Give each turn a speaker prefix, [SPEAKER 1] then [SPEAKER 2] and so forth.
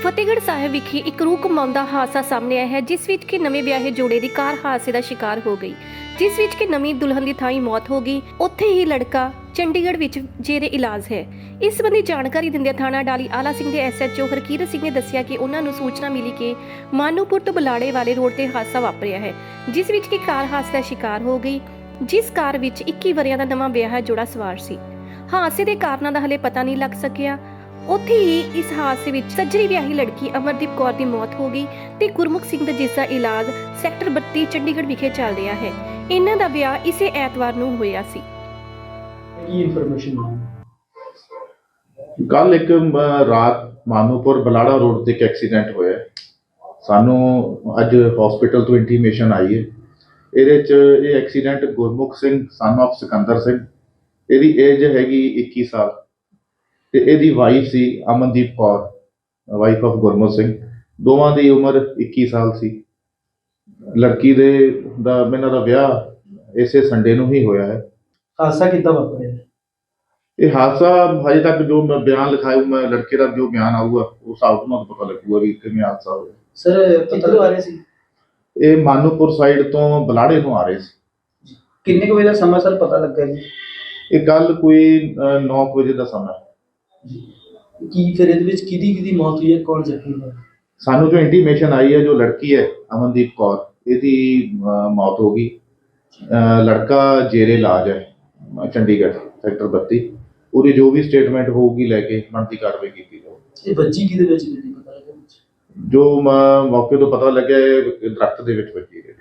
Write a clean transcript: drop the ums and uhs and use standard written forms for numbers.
[SPEAKER 1] ਫਤਿਹਗੜ੍ਹ ਸਾਹਿਬ ਵਿਖੇ ਇੱਕ ਰੂਹ ਕੰਮਾਉਂਦਾ ਹਾਦਸਾ ਸਾਹਮਣੇ ਆਇਆ ਹੈ, ਜਿਸ ਵਿੱਚ ਕਿ ਨਵੇਂ ਵਿਆਹੇ ਜੋੜੇ ਦੀ ਕਾਰ ਹਾਦਸੇ ਦਾ ਸ਼ਿਕਾਰ ਹੋ ਗਈ, ਜਿਸ ਵਿੱਚ ਕਿ ਨਵੀਂ ਦੁਲਹਨ ਦੀ ਥਾਈ ਮੌਤ ਹੋ ਗਈ। ਉੱਥੇ ਹੀ ਲੜਕਾ ਚੰਡੀਗੜ੍ਹ ਵਿੱਚ ਜੇਰੇ ਇਲਾਜ ਹੈ। ਇਸ ਸੰਬੰਧੀ ਜਾਣਕਾਰੀ ਦਿੰਦਿਆਂ ਥਾਣਾ ਡਾਲੀ ਆਲਾ ਸਿੰਘ ਦੇ ਐਸਐਚਓ ਹਰਕੀਰਤ ਸਿੰਘ ਨੇ ਦੱਸਿਆ ਕਿ ਉਹਨਾਂ ਨੂੰ ਸੂਚਨਾ ਮਿਲੀ ਕਿ ਮਾਨੂਪੁਰ ਤੋਂ ਬਲਾੜੇ ਵਾਲੇ ਰੋਡ ਤੇ ਹਾਦਸਾ ਵਾਪਰਿਆ ਹੈ, ਜਿਸ ਵਿੱਚ ਕਿ ਕਾਰ ਹਾਦਸੇ ਦਾ ਸ਼ਿਕਾਰ ਹੋ ਗਈ, ਜਿਸ ਕਾਰ ਵਿੱਚ 21 ਵਰ੍ਹਿਆਂ ਦਾ ਨਵਾਂ ਵਿਆਹਿਆ ਜੋੜਾ ਸਵਾਰ ਸੀ। ਹਾਦਸੇ ਦੇ ਕਾਰਨਾਂ ਦਾ ਹਲੇ ਪਤਾ ਨਹੀਂ ਲੱਗ ਸਕਿਆ। ਉੱਥੇ ਹੀ ਇਸ ਹਾਦਸੇ ਵਿੱਚ ਸੱਜਰੀ ਵਿਆਹੀ ਲੜਕੀ ਅਮਰਦੀਪ ਕੌਰ ਦੀ ਮੌਤ ਹੋ ਗਈ ਤੇ ਗੁਰਮੁਖ ਸਿੰਘ ਦਾ ਜਿਸ ਦਾ ਇਲਾਜ ਸੈਕਟਰ 32 ਚੰਡੀਗੜ੍ਹ ਵਿਖੇ ਚੱਲ ਰਿਹਾ ਹੈ। ਇਹਨਾਂ ਦਾ ਵਿਆਹ ਇਸੇ ਐਤਵਾਰ ਨੂੰ ਹੋਇਆ ਸੀ।
[SPEAKER 2] ਕੀ ਇਨਫੋਰਮੇਸ਼ਨ
[SPEAKER 3] ਕੱਲ ਇੱਕ ਰਾਤ ਮਾਨੂਪੁਰ ਬਲਾੜਾ ਰੋਡ ਤੇ ਇੱਕ ਐਕਸੀਡੈਂਟ ਹੋਇਆ। ਸਾਨੂੰ ਅੱਜ ਹਸਪੀਟਲ ਤੋਂ ਇੰਟੀਮੇਸ਼ਨ ਆਈ ਹੈ। ਇਹਦੇ 'ਚ ਇਹ accident Gurmukh Singh son of Sikandar Singh, ਇਹਦੀ ਏਜ ਹੈਗੀ 21 ਸਾਲ ਤੇ ਇਹਦੀ ਵਾਈਫ ਸੀ ਅਮਨਦੀਪ ਕੌਰ, ਵਾਈਫ ਆਫ ਗੁਰਮੁਖ ਸਿੰਘ। ਦੋਵਾਂ ਦੀ ਉਮਰ 21 ਸਾਲ ਸੀ। ਲੜਕੀ ਦੇ ਇਹਨਾਂ ਦਾ ਵਿਆਹ ਇਸੇ ਸੰਡੇ ਨੂੰ ਹੀ ਹੋਇਆ ਹੈ।
[SPEAKER 2] ਹਾਦਸਾ ਕਿੱਦਾਂ ਵਾਪਰਿਆ?
[SPEAKER 3] ਇਹ ਹਾਦਸਾ ਹਜੇ ਤੱਕ ਜੋ ਮੈਂ ਬਿਆਨ ਲਿਖਾਇਆ, ਮੈਂ ਲੜਕੇ ਦਾ ਜੋ ਬਿਆਨ ਆਊਗਾ ਉਸ ਹਿਸਾਬ ਨਾਲ ਪਤਾ ਲੱਗੂਗਾ ਵੀ ਕਿਵੇਂ ਹਾਦਸਾ ਹੋਇਆ।
[SPEAKER 2] ਸਰ ਕਿੱਥੋਂ ਆ ਰਹੇ ਸੀ?
[SPEAKER 3] ਇਹ ਮਾਨੂਪੁਰ ਸਾਈਡ ਤੋਂ ਬਲਾੜੇ ਨੂੰ ਆ ਰਹੇ ਸੀ।
[SPEAKER 2] ਕਿੰਨੇ ਕੁ ਵਜੇ ਦਾ ਸਮਾਂ ਸਰ ਪਤਾ ਲੱਗਾ ਜੀ?
[SPEAKER 3] ਇਹ ਕੱਲ ਕੋਈ 9 ਵਜੇ ਦਾ ਸਮਾਂ।
[SPEAKER 2] ਕੀ ਫਿਰ ਇਹਦੇ ਵਿੱਚ ਕਿਹਦੀ ਮੌਤ ਹੋਈ ਹੈ, ਕੌਣ ਜ਼ਖਮੀ ਹੋਇਆ?
[SPEAKER 3] ਸਾਨੂੰ ਜੋ ਇੰਟੀਮੇਸ਼ਨ ਆਈ ਹੈ, ਜੋ ਲੜਕੀ ਹੈ ਅਮਨਦੀਪ ਕੌਰ, ਇਹਦੀ ਮੌਤ ਹੋ ਗਈ। ਲੜਕਾ ਜੇਰੇ ਇਲਾਜ ਹੈ ਚੰਡੀਗੜ੍ਹ ਸੈਕਟਰ 32। ਉਹਦੀ ਜੋ ਵੀ ਸਟੇਟਮੈਂਟ ਹੋਊਗੀ ਲੈ ਕੇ ਬਣਦੀ ਕਾਰਵਾਈ ਕੀਤੀ ਜਾਊਗੀ।
[SPEAKER 2] ਇਹ ਬੱਚੀ ਕਿਹਦੇ ਵਿੱਚ ਪਤਾ ਲੱਗਾ?
[SPEAKER 3] ਜੋ ਮੌਕੇ ਤੋਂ ਪਤਾ ਲੱਗਿਆ ਇਹ ਦਰਖਤ ਦੇ ਵਿੱਚ ਵੱਜੀ ਹੈ।